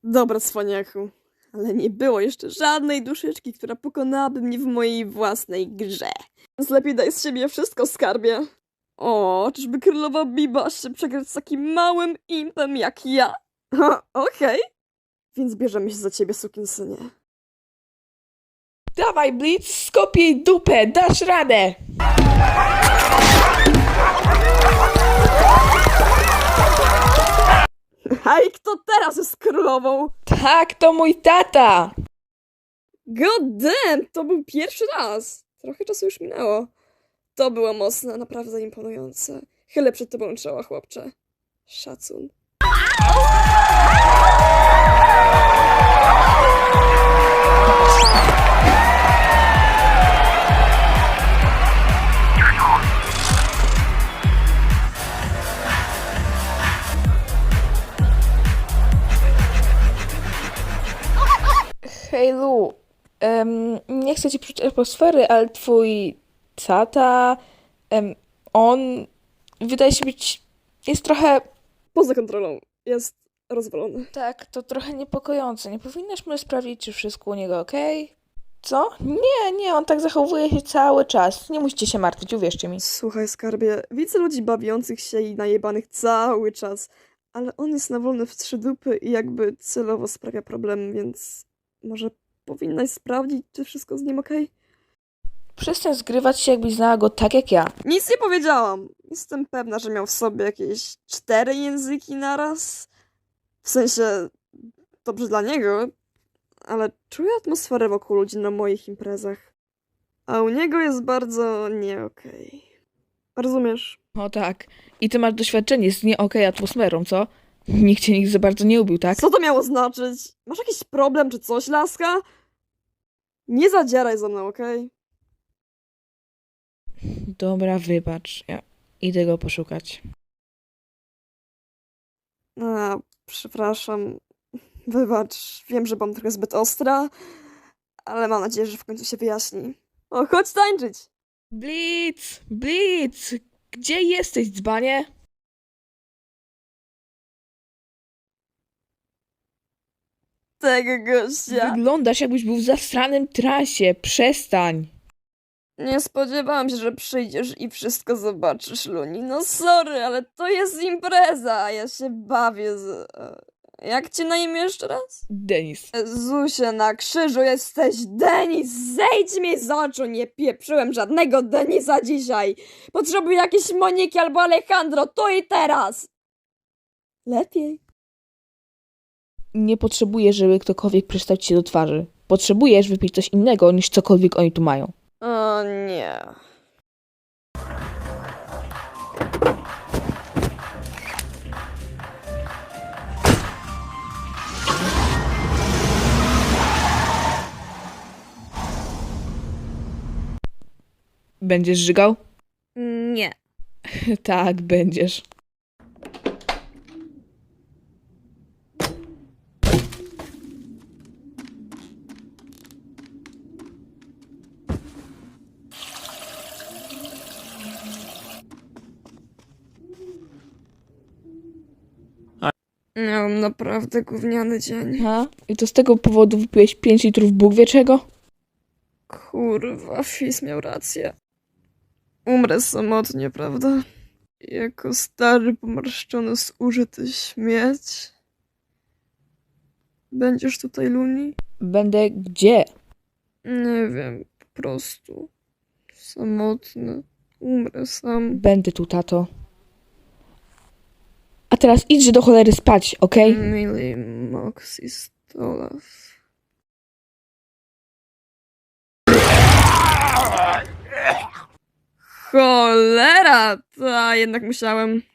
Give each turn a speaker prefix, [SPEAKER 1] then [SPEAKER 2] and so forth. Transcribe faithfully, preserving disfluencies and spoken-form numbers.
[SPEAKER 1] Dobra, cwaniaku, ale nie było jeszcze żadnej duszyczki, która pokonałaby mnie w mojej własnej grze. Więc lepiej daj z siebie wszystko, skarbie. O, czyżby królowa Biba się przegrać z takim małym impem jak ja? Ha, okej. Więc bierzemy się za ciebie, sukinsynie.
[SPEAKER 2] Dawaj, Blitz, skopiej dupę, dasz radę!
[SPEAKER 1] Hej, kto teraz jest królową?
[SPEAKER 2] Tak, to mój tata!
[SPEAKER 1] God damn, to był pierwszy raz. Trochę czasu już minęło. To było mocne, naprawdę imponujące. Chylę przed tobą czoła, chłopcze. Szacun.
[SPEAKER 2] Hej Lu, em, nie chcę ci psuć atmosfery, ale twój tata, em, on wydaje się być, jest trochę,
[SPEAKER 1] Poza kontrolą. Jest rozwalony.
[SPEAKER 2] tak, to trochę niepokojące. Nie powinnaś może sprawdzić, czy wszystko u niego okej? Co? Nie, nie, on tak zachowuje się cały czas. Nie musicie się martwić, uwierzcie mi.
[SPEAKER 1] Słuchaj, skarbie, widzę ludzi bawiących się i najebanych cały czas, ale on jest nawolny w trzy dupy i jakby celowo sprawia problem, więc może powinnaś sprawdzić, czy wszystko z nim okej?
[SPEAKER 2] Przestań zgrywać się, jakbyś znała go tak jak ja.
[SPEAKER 1] Nic nie powiedziałam. Jestem pewna, że miał w sobie jakieś cztery języki naraz. W sensie, dobrze dla niego, ale czuję atmosferę wokół ludzi na moich imprezach. A u niego jest bardzo nie okej. Rozumiesz?
[SPEAKER 2] O tak. I ty masz doświadczenie z nie okej atmosferą, co? Nikt cię nigdy za bardzo nie ubił, tak?
[SPEAKER 1] Co to miało znaczyć? Masz jakiś problem czy coś, laska? Nie zadzieraj ze mną, okej?
[SPEAKER 2] Dobra, wybacz. Ja idę go poszukać.
[SPEAKER 1] A, przepraszam. Wybacz, wiem, że byłam trochę zbyt ostra, ale mam nadzieję, że w końcu się wyjaśni. O, chodź tańczyć!
[SPEAKER 2] Blitz! Blitz! Gdzie jesteś, dzbanie?
[SPEAKER 1] Tego gościa!
[SPEAKER 2] Wyglądasz, jakbyś był w zasranym transie. Przestań!
[SPEAKER 1] Nie spodziewałam się, że przyjdziesz i wszystko zobaczysz, Luni. No sorry, ale to jest impreza, a ja się bawię z... e, Jak cię na imię jeszcze raz?
[SPEAKER 2] Denis.
[SPEAKER 1] Zusie, na krzyżu jesteś Denis! Zejdź mi z oczu! Nie pieprzyłem żadnego Denisa dzisiaj! Potrzebuję jakiejś Moniki albo Alejandro, tu i teraz! Lepiej.
[SPEAKER 2] Nie potrzebujesz, żeby ktokolwiek przystał ci się do twarzy. Potrzebujesz wypić coś innego, niż cokolwiek oni tu mają.
[SPEAKER 1] O nie.
[SPEAKER 2] Będziesz żygał?
[SPEAKER 1] Nie.
[SPEAKER 2] Tak, będziesz.
[SPEAKER 1] Miałam naprawdę gówniany dzień.
[SPEAKER 2] Ha? I to z tego powodu wypiłeś pięć litrów Bóg wie czego?
[SPEAKER 1] Kurwa, Fizz miał rację. Umrę samotnie, prawda? Jako stary, pomarszczony, zużyty śmieć. Będziesz tutaj, Luni?
[SPEAKER 2] Będę gdzie?
[SPEAKER 1] Nie wiem, po prostu. Samotny. Umrę sam.
[SPEAKER 2] Będę tu, tato. A teraz idźże do cholery spać, okej?
[SPEAKER 1] Mili Moxie Stolaw. Cholera! Ta jednak musiałem.